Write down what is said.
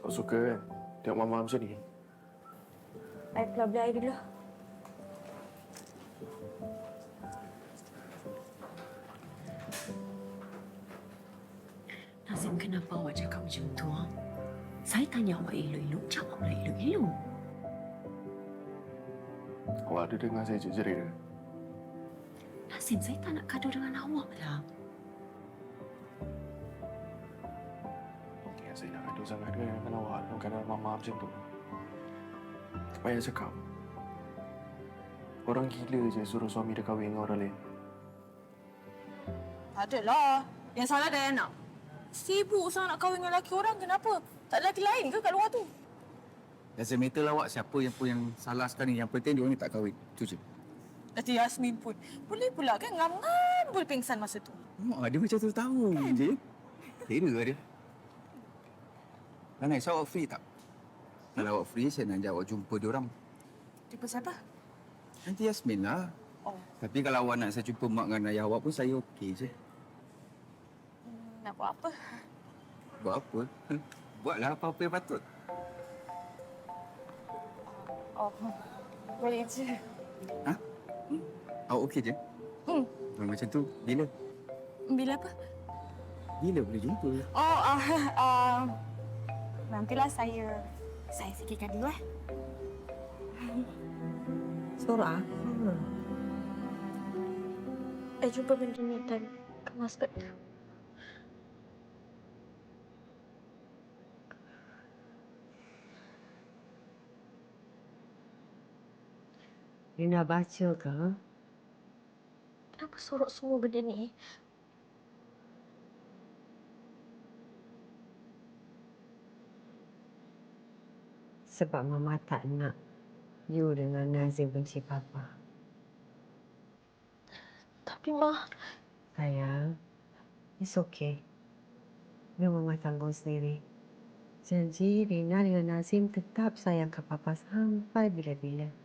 Tak suka kan tengok mama macam ni? I pula beli air dulu. Nazim, kenapa awak cakap macam tu? Ha? Saya tanya awak elok-elok, jawablah elok-elok. Awak ada dengar saya jerit ke? Nazim, saya tak nak gaduh dengan awak lah. Ya, saya nak gaduh sangat dengan awak dalam keadaan mama macam tu. Tak payah cakap. Orang gila je suruh suami dia kahwin dengan orang lain. Tak adalah. Yang salah Diana. Sibuk sangat nak kahwin dengan lelaki orang. Kenapa? Tak ada lelaki lain ke kat luar tu? Doesn't matter lah awak siapa yang salah sekarang ni. Yang penting dia ni tak kahwin. Itu je. Nanti Yasmin pun. Boleh pula kan ngam-ngam boleh pingsan masa tu. Dia macam tu tahu je. Kira dia. Nanai, so awak free tak? Kalau awak free, saya nak ajak awak jumpa diorang. Tipe siapa? Nanti Yasmin lah. Oh. Tapi kalau awak nak saya jumpa mak dengan ayah awak pun saya okey je. Nak buat apa? Buat apa? Buatlah apa-apa yang patut. Oh, boleh je. Ha? Awak okey je? Macam tu, bila? Bila apa? Bila boleh jumpa? Oh, nantilah saya fikirkan dulu Surah? jumpa benda ni dan kemas tu. Dia nak baca ke? Kenapa sorok semua benda ni? Sebab Mama tak nak you dengan Nazim benci Papa. Tapi Ma... Sayang, it's okay. Biar Mama tanggung sendiri. Janji Rina dengan Nazim tetap sayang ke Papa sampai bila-bila.